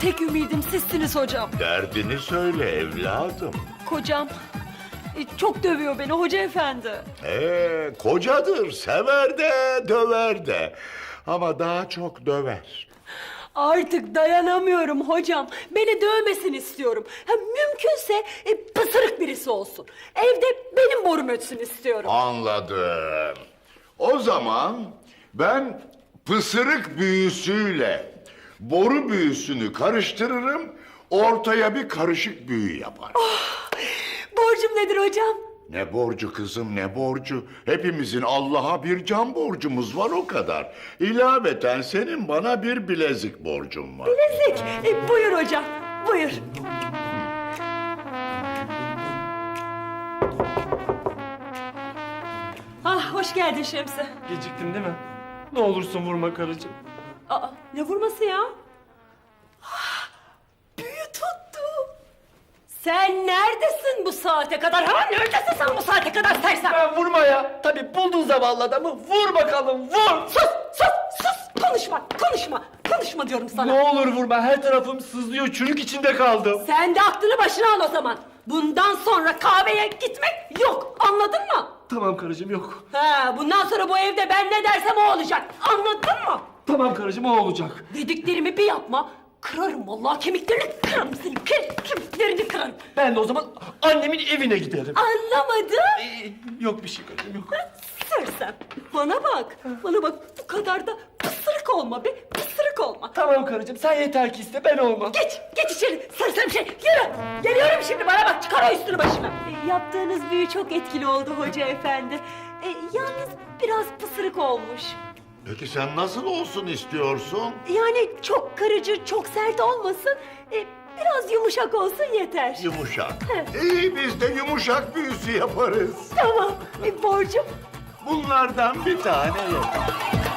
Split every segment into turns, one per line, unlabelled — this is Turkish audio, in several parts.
tek ümidim sizsiniz hocam.
Derdini söyle evladım.
Kocam çok dövüyor beni hoca efendi.
Kocadır, sever de, döver de. Ama daha çok döver.
Artık dayanamıyorum hocam. Beni dövmesini istiyorum. Mümkünse pısırık birisi olsun. Evde benim borum ötsün istiyorum.
Anladım. O zaman ben pısırık büyüsüyle boru büyüsünü karıştırırım, ortaya bir karışık büyü yapar.
Borcum nedir hocam?
Ne borcu kızım, ne borcu? Hepimizin Allah'a bir can borcumuz var, o kadar. İlaveten senin bana bir bilezik borcun var.
Bilezik. Buyur hocam, buyur. Ah, hoş geldin Şemsi.
Geciktin değil mi? Ne olursun vurma karıcığım.
Aa, ne vurması ya? Ah, büyü tuttu. Sen neredesin bu saate kadar? Ha, neredesin sen bu saate kadar sersem?
Ben vurma ya. Tabii buldun zavallı adamı. Vur bakalım, vur.
Sus! Konuşma diyorum sana.
Ne olur vurma. Her tarafım sızlıyor. Çürük içinde kaldım.
Sen de aklını başına al o zaman. Bundan sonra kahveye gitmek yok. Anladın mı?
Tamam karıcığım, yok.
Bundan sonra bu evde ben ne dersem o olacak. Anladın mı?
Tamam karıcığım, o olacak.
Dediklerimi bir yapma. Kırarım vallahi kemiklerini kırarım senin. Kemiklerini kırarım.
Ben de o zaman annemin evine giderim.
Anlamadın?
Yok bir şey karıcığım, yok.
Sersem. Bana bak. Bu kadar da pısırık olma be. Pısırık olma.
Tamam karıcığım, sen yeter ki iste, ben olmam.
Geç içeri. Sersem şey. Yürü. Geliyorum şimdi, bana bak. Çıkar o üstünü başına. Yaptığınız büyü çok etkili oldu hoca efendi. Yalnız biraz pısırık olmuş.
Peki sen nasıl olsun istiyorsun?
Yani çok kırıcı, çok sert olmasın. Biraz yumuşak olsun yeter.
Yumuşak. İyi, biz de yumuşak büyüsü yaparız.
Tamam. Borcum?
Bunlardan bir tane yeter.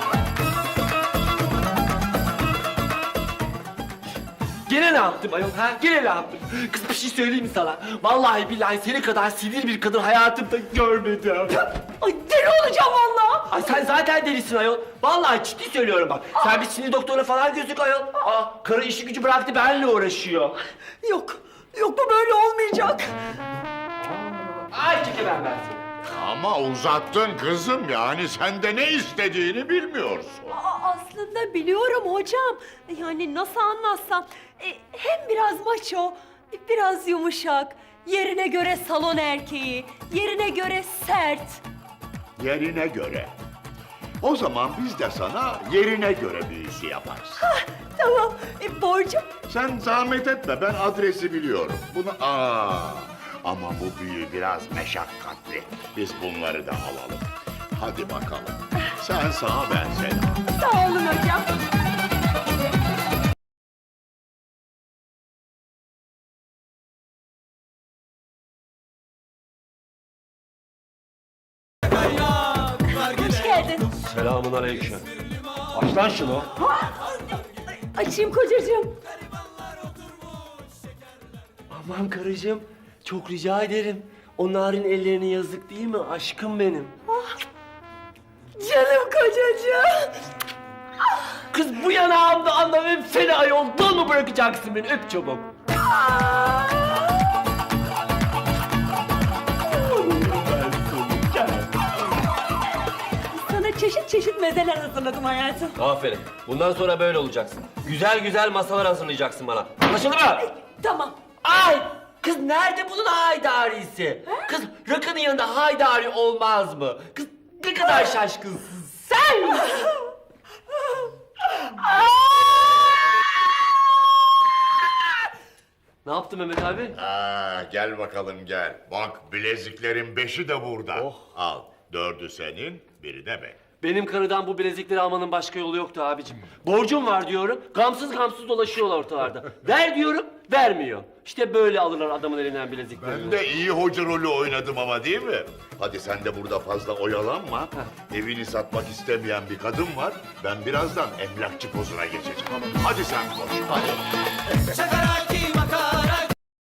Gene ne yaptım ayol ha? Gene ne yaptım? Kız bir şey söyleyeyim mi sana? Vallahi billahi seni kadar sinir bir kadın hayatımda görmedim.
Ay deli olacağım vallahi.
Ay sen zaten delisin ayol. Vallahi ciddi söylüyorum bak. Sen bir sinir doktoruna falan gözük ayol. Karı işi gücü bıraktı benimle uğraşıyor.
Yok bu böyle olmayacak.
Ay çekemem ben seni.
Ama uzattın kızım, yani sen de ne istediğini bilmiyorsun.
Aslında biliyorum hocam. Yani nasıl anlatsam. Hem biraz maço, biraz yumuşak. Yerine göre salon erkeği, yerine göre sert.
Yerine göre. O zaman biz de sana yerine göre büyüsü yaparız.
Tamam, borcum?
Sen zahmet etme, ben adresi biliyorum. Ama bu büyü biraz meşakkatli. Biz bunları da alalım. Hadi bakalım. Sen sağa, ben sola.
Sağ olun hocam. Hoş geldin.
Selamun aleyküm. Aç lan şunu.
Açayım kocacığım.
Aman karıcığım, çok rica ederim. O narin ellerine yazık değil mi aşkım benim?
Canım kocacığım.
Kız bu yanağımda anlamam seni ayol. Dal mı bırakacaksın beni? Öp çabuk.
Sana çeşit çeşit mezeler hazırladım hayatım.
Aferin. Bundan sonra böyle olacaksın. Güzel güzel masalar hazırlayacaksın bana. Anlaşıldı mı?
Tamam.
Ay! Kız nerede bunun haydarisi? Kız rakının yanında haydari olmaz mı? Kız ne kadar şaşkınsın sen! Ne yaptın Mehmet abi?
Gel bakalım gel. Bak, bileziklerin 5'i de burada.
Oh.
Al, 4'ü senin, biri de benim.
Benim karıdan bu bilezikleri almanın başka yolu yoktu abicim. Borcum var diyorum, gamsız gamsız dolaşıyorlar ortalarda. Ver diyorum, vermiyor. İşte böyle alırlar adamın elinden bilezikleri.
Ben de iyi hoca rolü oynadım ama, değil mi? Hadi sen de burada fazla oyalanma. Evini satmak istemeyen bir kadın var. Ben birazdan emlakçı pozuna geçeceğim. Hadi sen koş. Hadi.